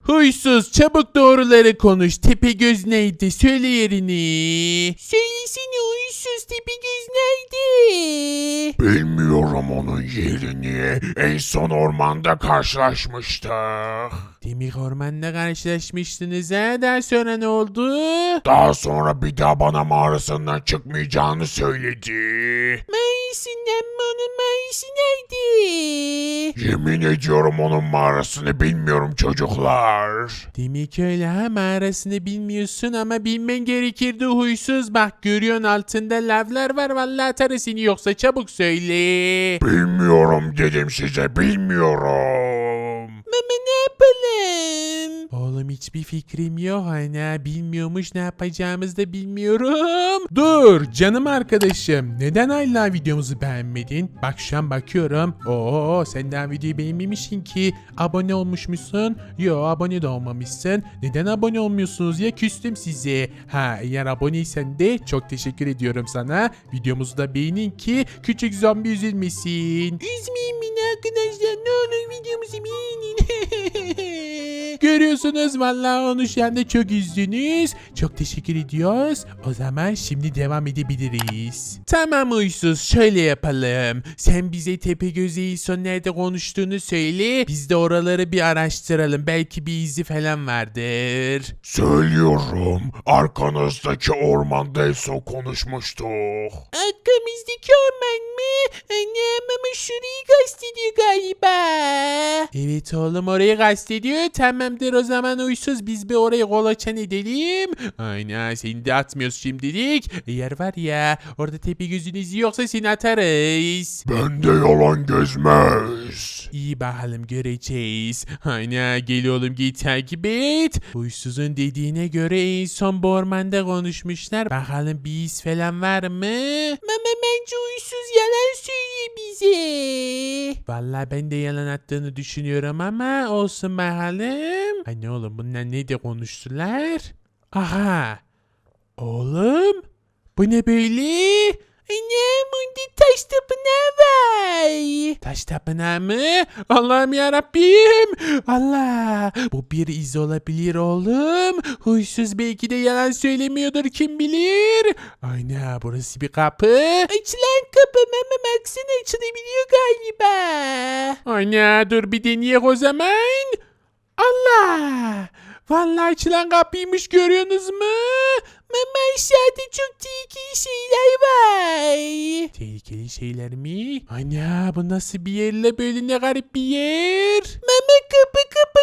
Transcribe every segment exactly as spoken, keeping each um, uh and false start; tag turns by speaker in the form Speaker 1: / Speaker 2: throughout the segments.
Speaker 1: Huysuz, çabuk doğruları konuş. Tepegöz neydi? Söyle yerini. Söylesene huysuz, Tepegöz nerede?
Speaker 2: Bilmiyorum onun yerini. En son ormanda karşılaşmıştık.
Speaker 1: Demek ormanda karşılaşmıştınız ha? Daha sonra ne oldu?
Speaker 2: Daha sonra bir daha bana mağarasından çıkmayacağını söyledi.
Speaker 1: Mağarasından mı? Onun mağarası nerede?
Speaker 2: Yemin ediyorum onun mağarasını bilmiyorum çocuklar.
Speaker 1: Demek öyle ha, mağarasını bilmiyorsun ama bilmen gerekirdi huysuz. Bak görüyorsun altında lavlar var, vallahi atarı seni, yoksa çabuk söyle.
Speaker 2: Bilmiyorum dedim size, bilmiyorum.
Speaker 1: Mama ne yapalım? Oğlum hiçbir fikrim yok. Ana bilmiyormuş, ne yapacağımızı da bilmiyorum. Dur canım arkadaşım. Neden hala videomuzu beğenmedin? Bak şu an bakıyorum. Oo sen daha videoyu beğenmemişsin ki. Abone olmuşmuşsun. Yo abone de olmamışsın. Neden abone olmuyorsunuz ya, küstüm size. Ha eğer aboneysen de çok teşekkür ediyorum sana. Videomuzu da beğenin ki küçük zombi üzülmesin. Üzmeyin beni arkadaşlar, ne olur videomuzu beğenin. Görüyorsunuz vallahi onu şu anda çok üzdünüz. Çok teşekkür ediyoruz. O zaman şimdi devam edebiliriz. Tamam huysuz, şöyle yapalım. Sen bize Tepegöz'e son nerede konuştuğunu söyle. Biz de oraları bir araştıralım. Belki bir izi falan vardır.
Speaker 2: Söylüyorum, arkanızdaki ormanda en son konuşmuştuk.
Speaker 1: Arkamızdaki orman mı? Annem ama şurayı kastediyor galiba. Evet oğlum, orayı kastediyor. Tamamdır o zaman huysuz, biz bir orayı kolaçan edelim. Aynen, seni de atmıyoruz şimdilik. Eğer var ya orada Tepegöz'ün izi yoksa seni atarız.
Speaker 2: Bende yalan gezmez.
Speaker 1: İyi bakalım, göreceğiz. Aynen, gel oğlum gel takip et. Huysuzun dediğine göre en son bu ormanda konuşmuşlar. Bakalım bir iz falan var mı? Mama bence huysuz yalan söylüyor bize. Vallahi ben de yalan attığını düşünüyorum ama olsun bakalım. Hani oğlum bunlar ne de konuştular? Aha. Oğlum bu ne böyle? Annem onda taş tapınağı var. Taş tapınağı mı? Allah'ım yarabbim. Allah. Bu bir iz olabilir oğlum. Huysuz belki de yalan söylemiyordur, kim bilir. Aynen, burası bir kapı. Açılan kapı mama, baksana açılabiliyor galiba. Aynen, dur bir deneyek o zaman. Allah. Vallahi açılan kapıymış, görüyorsunuz mu? Mama aşağıda çok tehlikeli şeyler var. Tehlikeli şeyler mi? Ana bu nasıl bir yerle böyle, ne garip bir yer. Mama kapı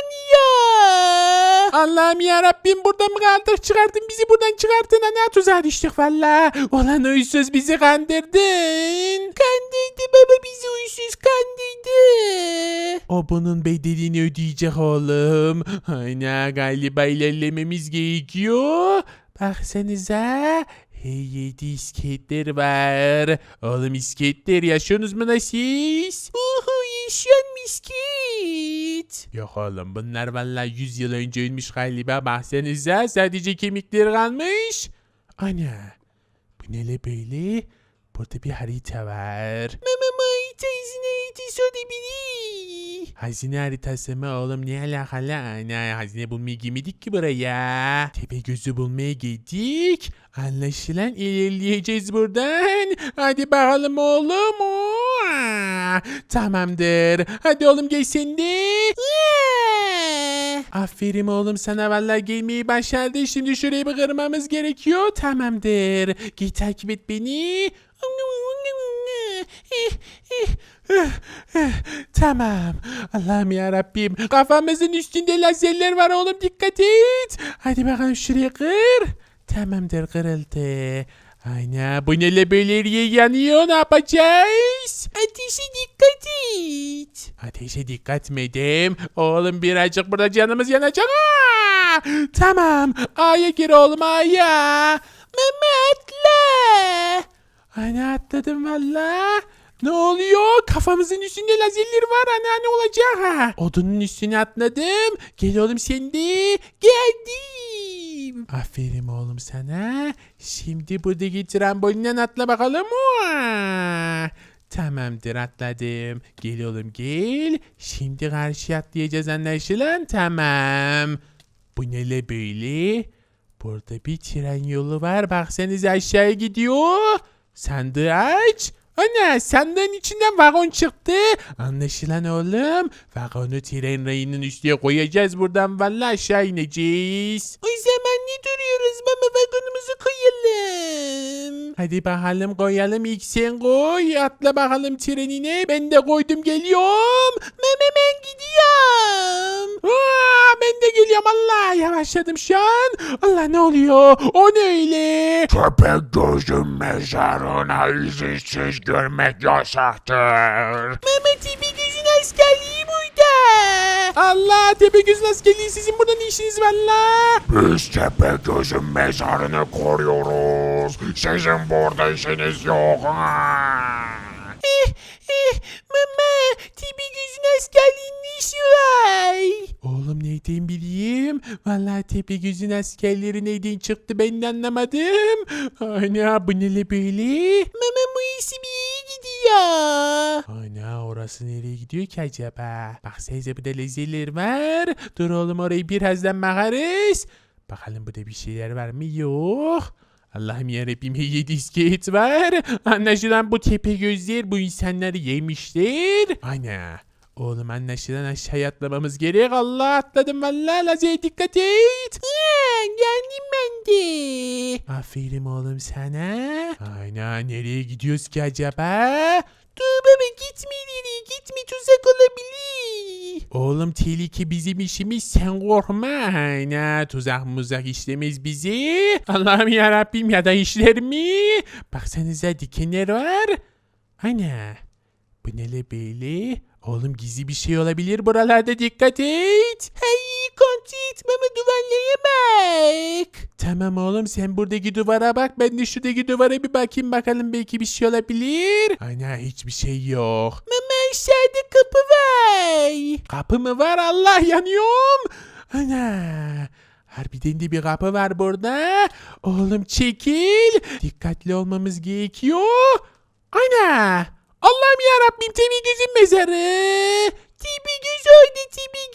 Speaker 1: kapanıyor. Allah'ım yarabbim, burada mı kaldık? Çıkartın bizi buradan, çıkartın. Ana tuzağa düştük valla. Olan huysuz, bizi kandırdın. Kandırdı baba, bizi huysuz kandırdı. O bunun bedelini ödeyecek oğlum. Aynen, galiba ilerlememiz gerekiyor. Baksanıza. Hey yedi iskeletler var. Oğlum iskeletler, yaşıyorsunuz mu da siz? Uhu, yaşıyorum iskelet. Yok oğlum, bunlar vallahi yüz yıl önce ölmüş galiba. Baksanıza, sadece kemikleri kalmış. Ana, bu ne le böyle? Burada bir harita var. Mama harita, hazine haritası olabilir. Hazine haritası mı oğlum, ne alakalı? Ana, hazine bulmaya girmedik ki buraya. Tepegöz'ü bulmaya geldik. Anlaşılan ilerleyeceğiz buradan. Hadi bakalım oğlum. Aa, tamamdır. Hadi oğlum gel sen de. Aferin oğlum sana, vallahi gelmeyi başardı. Şimdi şurayı bir kırmamız gerekiyor. Tamamdır. Gel takip et beni. Tamam. Allah'ım yarabbim. Kafamızın üstünde lazerler var oğlum, dikkat et. Hadi bakalım şuraya kır. Tamamdır, kırıldı. Aynen, bu neyle böyle eriye yanıyor, ne yapacağız? Ateşe dikkat et. Ateşe dikkat mi edeyim? Oğlum birazcık burada canımız yanacak. Aa! Tamam, A'ya gir oğlum, A'ya. Mama atla. Ana atladım valla. Ne oluyor? Kafamızın üstünde lazerler var. Ana ne olacak ha? Odunun üstüne atladım. Gel oğlum sen de. Geldim. Aferin oğlum sana. Şimdi buradaki trambolinden atla bakalım. Aa! Tamamdır atladım. Gel oğlum gel. Şimdi karşıya atlayacağız anlaşılan. Tamam. Bu ne le böyle? Burada bir tren yolu var. Baksanıza aşağıya gidiyor. Sandığı aç. Ana sandığın içinden vagon çıktı. Anlaşılan oğlum. Vagonu tren rayının üstüne koyacağız. Buradan vallahi aşağı ineceğiz. O zaman ne duruyoruz? Mama vagonumuzu koyalım. Hadi bakalım koyalım. İlk sen koy. Atla bakalım trenine. Ben de koydum geliyorum. Mama ben gidiyorum. Aa, ben de geliyorum. Allah yavaşladım şu an. Allah ne oluyor? O ne öyle?
Speaker 2: Köpek gözüm mezarına izinsiz görmek yasaktır.
Speaker 1: Mehmet Tepegöz'ün askerliği burada. Allah Tepegöz'ün askerliği sizin burada ne işiniz var la?
Speaker 2: Biz Tepegöz'ün mezarını koruyoruz. Sizin burada işiniz yok. Ha?
Speaker 1: Eh eh mama Tepegöz'ün askerliğinin ne işi var? Oğlum neyden bileyim? Vallahi Tepegöz'ün askerleri neyden çıktı ben de anlamadım. Ana bu ne böyle? Mama bu işi bir yere gidiyor. Ana orası nereye gidiyor ki acaba? Baksanıza burada lezeler var. Dur oğlum orayı birazdan bakarız. Bakalım burada bir şeyler var mı? Yok. Allah'ım yarabbim yedi iskelet var. Anlaşılan bu tepe gözler bu insanları yemişler. Ana. Oğlum anlaşılan aşağıya atlamamız gerek. Allah atladım valla. Lazeye dikkat et. Ha, geldim ben de. Aferin oğlum sana. Ana nereye gidiyoruz ki acaba? Dur baba gitme ileri gitme tuzak olabilir. Oğlum tehlike bizim işimiz sen korkma. Ana tuzak muzak işlemez bizi. Allah'ım yarabbim ya da işler mi? Baksanıza dikenler var. Ana bu ne le böyle? Oğlum gizli bir şey olabilir buralarda dikkat et. Hey kontrol etme duvarlara bak. Tamam oğlum sen buradaki duvara bak ben de şuradaki duvara bir bakayım bakalım belki bir şey olabilir. Ana hiçbir şey yok. Mama aşağıda kapı var. Kapı mı var Allah yanıyorum. Ana. Harbiden de bir kapı var burada. Oğlum çekil. Dikkatli olmamız gerekiyor. Ana. Allah'ım yarabbim Tepegöz'ün mezarı. Tepegöz öldü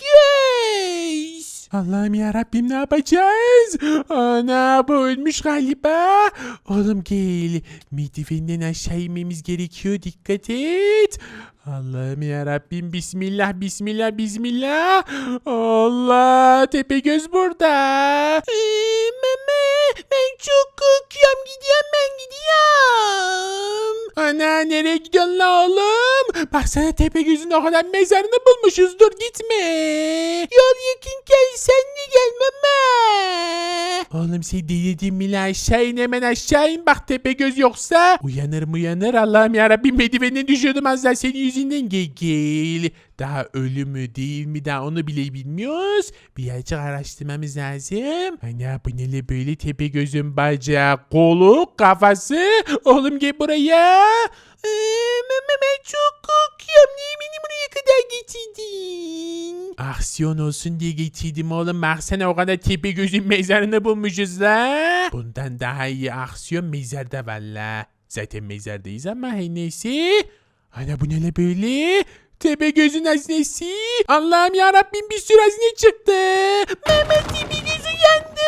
Speaker 1: Tepegöz. Allah'ım yarabbim ne yapacağız? Ana bu ölmüş galiba. Oğlum gel. Merdivenden aşağı inmemiz gerekiyor. Dikkat et. Allah'ım yarabbim bismillah bismillah bismillah. Allah Tepegöz burada. Ee, mama ben çok korkuyorum gidiyorum ben gidiyorum. Ana nereye gidiyorsun la oğlum? Baksana Tepegöz'ün o kadar mezarını bulmuşuz dur gitme. Yol yakınken sen de gel mama. Oğlum sen delirdin mi la aşağı in hemen aşağı in bak Tepegöz yoksa. Uyanır mı uyanır Allah'ım yarabbim merdivenden düşüyordum az daha senin yüzünden gel gel. Daha ölü mü değil mi daha onu bile bilmiyoruz. Birazcık araştırmamız lazım. Ana bu ne böyle Tepegöz'ün bacağı, kolu, kafası. Oğlum gel buraya. Ee, mama ben çok korkuyorum. Niye beni buraya kadar getirdin? Aksiyon olsun diye getirdim oğlum. Baksana o kadar Tepegöz'ün mezarını bulmuşuz la. Bundan daha iyi aksiyon mezarda valla. Zaten mezardayız ama her neyse. Ana bu ne böyle? Tepegöz'ün hazinesi. Allah'ım yarabbim bir sürü hazine çıktı. Mehmet Tepegöz uyandı.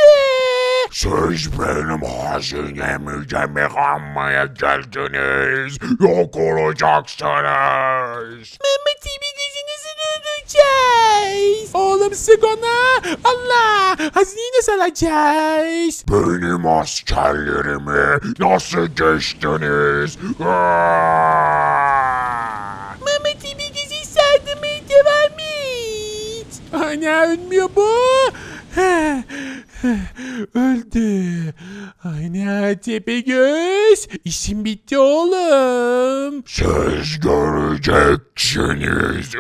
Speaker 2: Siz benim hazinemi yemek almaya geldiniz. Yok olacaksınız.
Speaker 1: Mehmet Tepegöz'ü nasıl öldüreceğiz? Oğlum sık ona. Allah. Hazineyi nasıl alacağız?
Speaker 2: Benim askerlerimi nasıl geçtiniz? Aaaa!
Speaker 1: Mehmet Tepegöz'ü sardırmaya devam et. Ana ölmüyor bu. Öldü. Ana Tepegöz. İşim bitti oğlum.
Speaker 2: Siz göreceksiniz.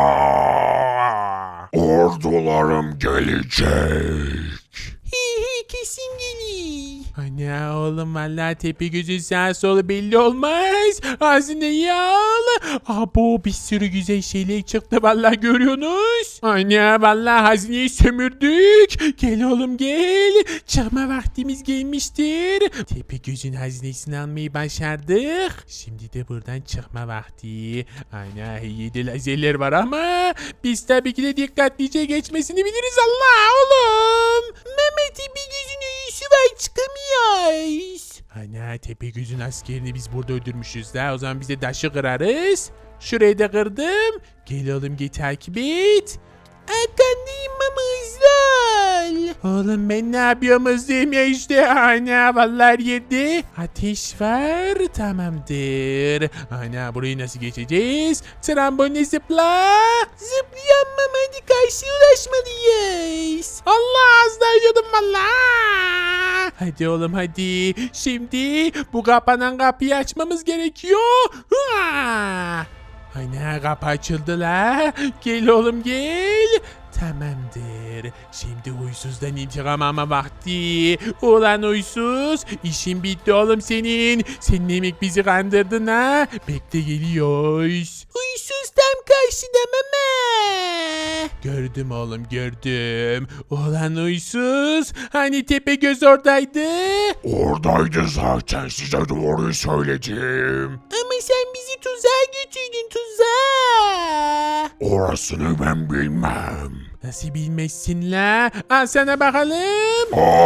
Speaker 2: Aaaa! Ordularım gelecek.
Speaker 1: Hi hi
Speaker 3: kesin gelir.
Speaker 1: Ana oğlum vallahi tepe gözün sağ solu belli olmaz. Hazineyi al. Abo bir sürü güzel şeyler çıktı vallahi görüyorsunuz. Ana vallahi hazineyi sömürdük. Gel oğlum gel. Çıkma vaktimiz gelmiştir. Tepe gözün hazinesini almayı başardık. Şimdi de buradan çıkma vakti. Ana yedi lazerler var ama biz tabii ki de dikkatlice geçmesini biliriz Allah oğlum.
Speaker 3: Mehmet bir gözün üyüsü var çıkamıyoruz.
Speaker 1: Ana Tepegöz'ün askerini biz burada öldürmüşüz da o zaman biz de taşı kırarız. Şurayı da kırdım. Gel oğlum gel takip et.
Speaker 3: Arkandayım ama hızlı ol.
Speaker 1: Oğlum ben ne yapıyorum hızlıyım ya işte. Ana vallahi yedi. Ateş var tamamdır. Ana burayı nasıl geçeceğiz? Tramboline zıpla.
Speaker 3: Zıplayamam hadi karşıya ulaşmalıyız.
Speaker 1: Allah az daha yiyordum valla. Hadi oğlum hadi. Şimdi bu kapanan kapıyı açmamız gerekiyor. Hua! Ana kapı açıldı la. Gel oğlum gel. Tamamdır. Şimdi huysuzdan intikam alma vakti. Ulan huysuz. İşin bitti oğlum senin. Sen demek bizi kandırdın ha. Bekle geliyoruz.
Speaker 3: Huysuz tam karşıda mama.
Speaker 1: Gördüm oğlum gördüm. Ulan huysuz. Hani Tepegöz oradaydı.
Speaker 2: Oradaydı zaten, size doğruyu söyledim.
Speaker 3: Ama sen bizi tuzağa götürdün tuzağa.
Speaker 2: Orasını ben bilmem.
Speaker 1: Nasıl bilmezsin la? Al sana bakalım.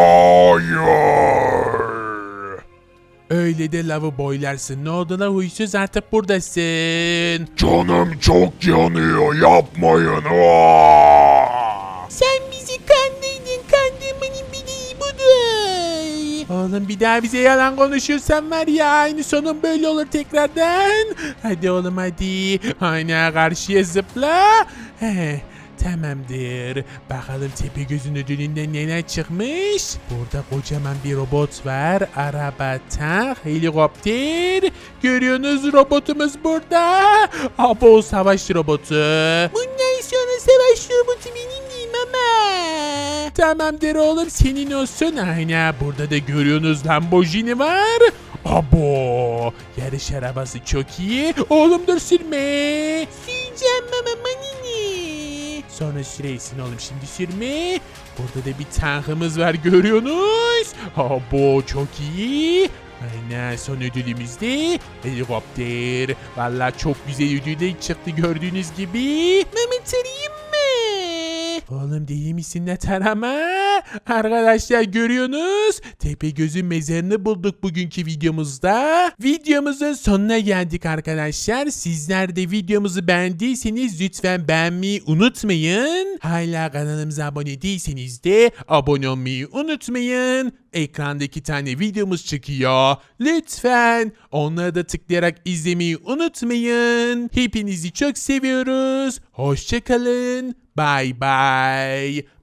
Speaker 2: Hayır.
Speaker 1: Öyle de lavı boylarsın. Ne oldu la huysuz artık buradasın.
Speaker 2: Canım çok yanıyor, yapmayın. Aa!
Speaker 3: Sen bizi kandırdın. Kandırmanın bir iyi budur.
Speaker 1: Oğlum bir daha bize yalan konuşursan var ya aynı sonun böyle olur tekrardan. Hadi oğlum hadi. Aynen karşıya zıpla. He. Tamamdır. Bakalım Tepegöz'ün ödülünden neler çıkmış. Burada kocaman bir robot var. Araba, tank, helikopter. Görüyorsunuz robotumuz burada. Abo savaş robotu.
Speaker 3: Bundan sonra savaş robotu benim değil mama.
Speaker 1: Tamamdır oğlum senin olsun. Aynen burada da görüyorsunuz Lamborghini var. Abo yarış arabası çok iyi. Oğlum dur sürme.
Speaker 3: Süreceğim mama manini.
Speaker 1: Sonra süreysin oğlum şimdi sürme. Burada da bir tankımız var görüyorsunuz. Abo çok iyi. Aynen son ödülümüz de helikopter. Valla çok güzel ödüller çıktı gördüğünüz gibi.
Speaker 3: Mama tarayayım mı?
Speaker 1: Oğlum deli misin ne tarama? Arkadaşlar görüyorsunuz. Tepegöz'ün mezarını bulduk bugünkü videomuzda. Videomuzun sonuna geldik arkadaşlar. Sizler de videomuzu beğendiyseniz lütfen beğenmeyi unutmayın. Hala kanalımıza abone değilseniz de abone olmayı unutmayın. Ekranda iki tane videomuz çıkıyor. Lütfen onları da tıklayarak izlemeyi unutmayın. Hepinizi çok seviyoruz. Hoşçakalın. Bye bye.